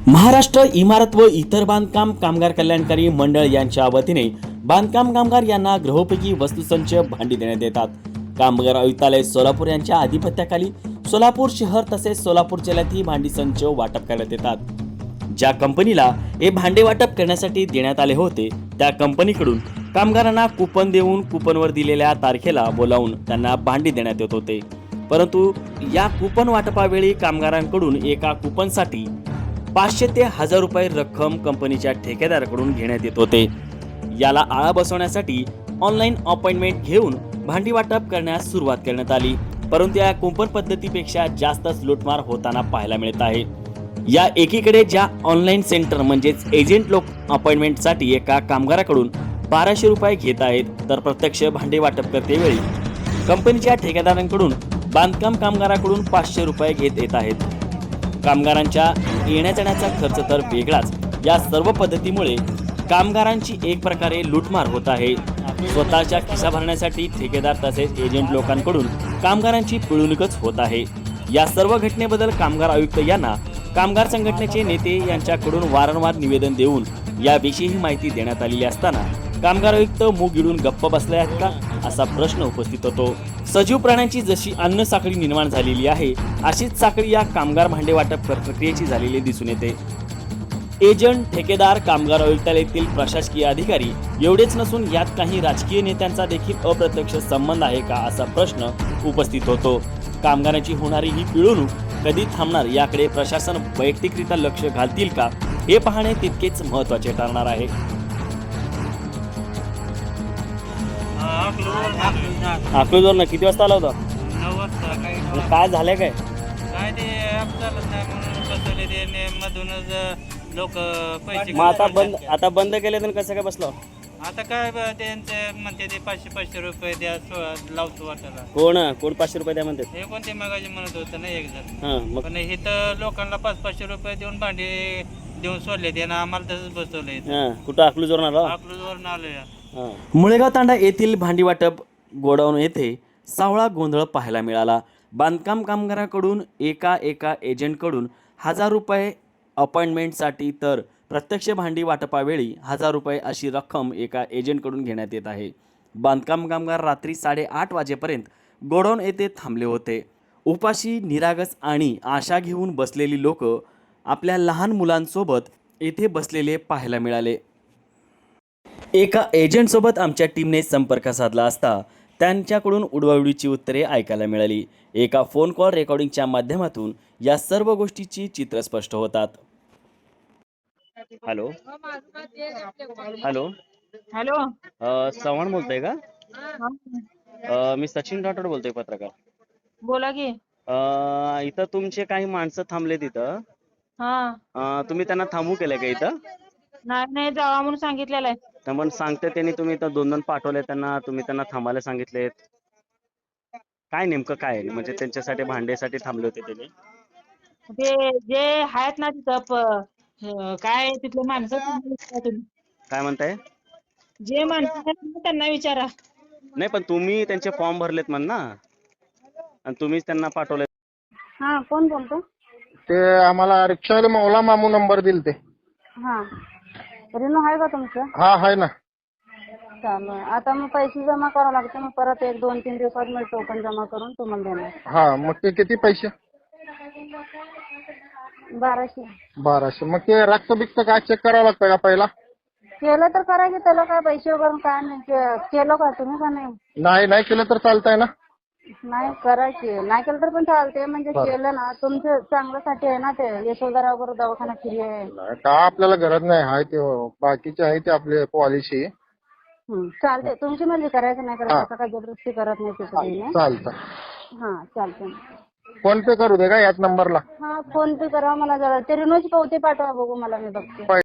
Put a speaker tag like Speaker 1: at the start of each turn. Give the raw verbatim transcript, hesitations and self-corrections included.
Speaker 1: महाराष्ट्र इमारत व इतर बांधकाम कामगार कल्याणकारी मंडळ यांच्या वतीने बांधकाम कामगार यांना गृहोपयोगी वस्तुसंच भांडी देण्यात येतात। कामगार आयुक्तालय सोलापूर यांच्या अधिपत्याखाली सोलापूर शहर तसेच सोलापूर जिल्ह्यात ही भांडी संच वाटप करण्यात येतात। ज्या कंपनीला हे भांडे वाटप करण्यासाठी देण्यात आले होते त्या कंपनीकडून कामगारांना कुपन देऊन कुपनवर दिलेल्या तारखेला बोलावून त्यांना भांडी देण्यात येत होते, परंतु या कुपन वाटपावेळी कामगारांकडून एका कुपनसाठी पाचशे ते हजार रुपये रक्कम कंपनीच्या ठेकेदाराकडून घेण्यात येत होते। याला आळा बसवण्यासाठी ऑनलाईन अपॉइंटमेंट घेऊन भांडी वाटप करण्यास सुरुवात करण्यात आली, परंतु या कुपन पद्धतीपेक्षा जास्तच लूटमार होताना पाहायला मिळत आहे। या एकीकडे ज्या ऑनलाईन सेंटर म्हणजेच एजंट लोक अपॉइंटमेंटसाठी एका कामगाराकडून बाराशे रुपये घेत आहेत, तर प्रत्यक्ष भांडी वाटप करतेवेळी कंपनीच्या ठेकेदारांकडून बांधकाम कामगाराकडून पाचशे रुपये घेत येत आहेत। कामगारांच्या येण्या जाण्याचा खर्च तर वेगळाच। या सर्व पद्धतीमुळे कामगारांची एक प्रकारे लूटमार होत आहे। स्वतःच्या खिसा भरण्यासाठी ठेकेदार तसेच एजंट लोकांकडून कामगारांची पिळवणूकच होत आहे। या सर्व घटनेबद्दल कामगार आयुक्त यांना कामगार संघटनेचे नेते यांच्याकडून वारंवार निवेदन देऊन याविषयी माहिती देण्यात आलेली असताना कामगार आयुक्त मूग गिळून गप्प बसले आहेत का असा प्रश्न उपस्थित होतो। सजीव प्राण्यांची जशी अन्न साखळी निर्माण झालेली आहे अशीच साखळी या कामगार भांडे वाटप प्रक्रियेची झालेली दिसून येते। एजंट, ठेकेदार, कामगार आयुक्तालयातील प्रशासकीय अधिकारी एवढेच नसून यात काही राजकीय नेत्यांचा देखील अप्रत्यक्ष संबंध आहे का असा प्रश्न उपस्थित होतो। कामगारांची होणारी ही पिळवणूक कधी थांबणार याकडे प्रशासन वैयक्तिकरित्या लक्ष घालतील का हे पाहणे तितकेच महत्त्वाचे ठरणार आहे। अकलूजवर ना किती वाजता आला होता?
Speaker 2: नऊ वाजता. काही
Speaker 1: काय झालंय काय
Speaker 2: काय ते ॲप चालत नाही म्हणून बसवले ते ने मधूनच लोक पैसे
Speaker 1: मग आता बंद आता बंद केले तर कसं काय बसलो?
Speaker 2: आता काय ब- त्यांचे म्हणते ते पाचशे पाचशे रुपये द्या सो- लावतो वाटायला.
Speaker 1: कोण कोण पाचशे रुपये द्या म्हणतात?
Speaker 2: हे कोणते मगाशी म्हणत होतं ना एक जण,
Speaker 1: हा मग
Speaker 2: पण हे तर लोकांना पाच पाचशे रुपये देऊन भांडे देऊन सोडले ते ना आम्हाला तसंच बसवलंय.
Speaker 1: हा कुठं अकलूजवर आला?
Speaker 2: अकलूजवरून आलोय.
Speaker 1: मुळेगाव तांडा येथील भांडी वाटप गोडाऊन येथे सावळा गोंधळ पाहायला मिळाला। बांधकाम कामगारांकडून एका एका एजंटकडून हजार रुपये अपॉइंटमेंटसाठी तर प्रत्यक्ष भांडी वाटपावेळी हजार रुपये अशी रक्कम एका एजंटकडून घेण्यात येत आहे। बांधकाम कामगार रात्री साडेआठ वाजेपर्यंत गोडाऊन येथे थांबले होते। उपाशी, निरागस आणि आशा घेऊन बसलेली लोक आपल्या लहान मुलांसोबत येथे बसलेले पाहायला मिळाले। एका एजंटसोबत आमच्या टीमने संपर्क साधला असता त्यांच्याकडून उडवाउडीची उत्तरे ऐकायला मिळाली। एका फोन कॉल रेकॉर्डिंगच्या माध्यमातून या सर्व गोष्टीची चित्र स्पष्ट होतात। Hello hello
Speaker 3: hello.
Speaker 1: अ, चव्हाण बोलतोय का?
Speaker 3: हा.
Speaker 1: अ, मी सचिन राठोड बोलतोय, पत्रकार।
Speaker 3: बोला की.
Speaker 1: अ, इथं तुमचे काही माणसं थांबले तिथं,
Speaker 3: हा.
Speaker 1: तुम्ही त्यांना थांबू केलं का इथं?
Speaker 3: नाही नाही जावा म्हणून सांगितलेलं आहे.
Speaker 1: तर पण सांगते त्यांनी तुम्ही इथं दोन दोन पाठवले त्यांना, तुम्ही त्यांना थांबायला सांगितलेत, काय नेमकं काय आहे? म्हणजे त्यांच्यासाठी भांड्यासाठी थांबले होते त्यांनी?
Speaker 3: ते जे आहेत ना तिथं प- अं, काय तिथले माणसं त्यांना विचारा तुम्ही.
Speaker 1: काय म्हणताय?
Speaker 3: जे माणसं आहेत ना त्यांना विचारा.
Speaker 1: नाही पण तुम्ही त्यांचे फॉर्म भरलेत म्हण ना, आणि तुम्हीच त्यांना पाठवले।
Speaker 3: हा कोण बोलतो?
Speaker 4: ते आम्हाला रिक्षावाले मौला मामू नंबर दिल ते.
Speaker 3: हा. रिनो आहे का तुमचं?
Speaker 4: हा आहे ना.
Speaker 3: चालू आहे. आता मग पैसे जमा करावं लागते, मग परत एक दोन तीन दिवसात मी टोकन जमा करून तुम्हाला देणार.
Speaker 4: हा मग ते किती पैसे?
Speaker 3: बाराशे.
Speaker 4: बाराशे. मग ते रक्त बिक्त काय चेक करावं लागतं का पहिला?
Speaker 3: केलं तर करा की, त्याला काय पैसे वगैरे काय नाही. के- केलं का तुम्ही का नाही?
Speaker 4: नाही नाही केलं तर चालतंय ना?
Speaker 3: नाही करा की, नाही केलं तर पण चालते. म्हणजे
Speaker 4: बरं.
Speaker 3: केलं ना तुमचं चांगल्यासाठी आहे ना, ते यशोधरा वगैरे दवाखाना फ्री आहे.
Speaker 4: नाही, का आपल्याला गरज नाही आहे ते, बाकीचे आहे ते आपले पॉलिसी.
Speaker 3: हं, चालते. तुमची म्हणजे करायचं नाही
Speaker 4: हा.
Speaker 3: करायचं, असं काय जबरदस्ती करत नाही तिथे.
Speaker 4: चालतं.
Speaker 3: हा चालते.
Speaker 4: फोन पे करू दे का याच नंबरला?
Speaker 3: हा फोन पे करा मला. जरा ते रिनोची पावती पाठवा बघू मला, मी बघते.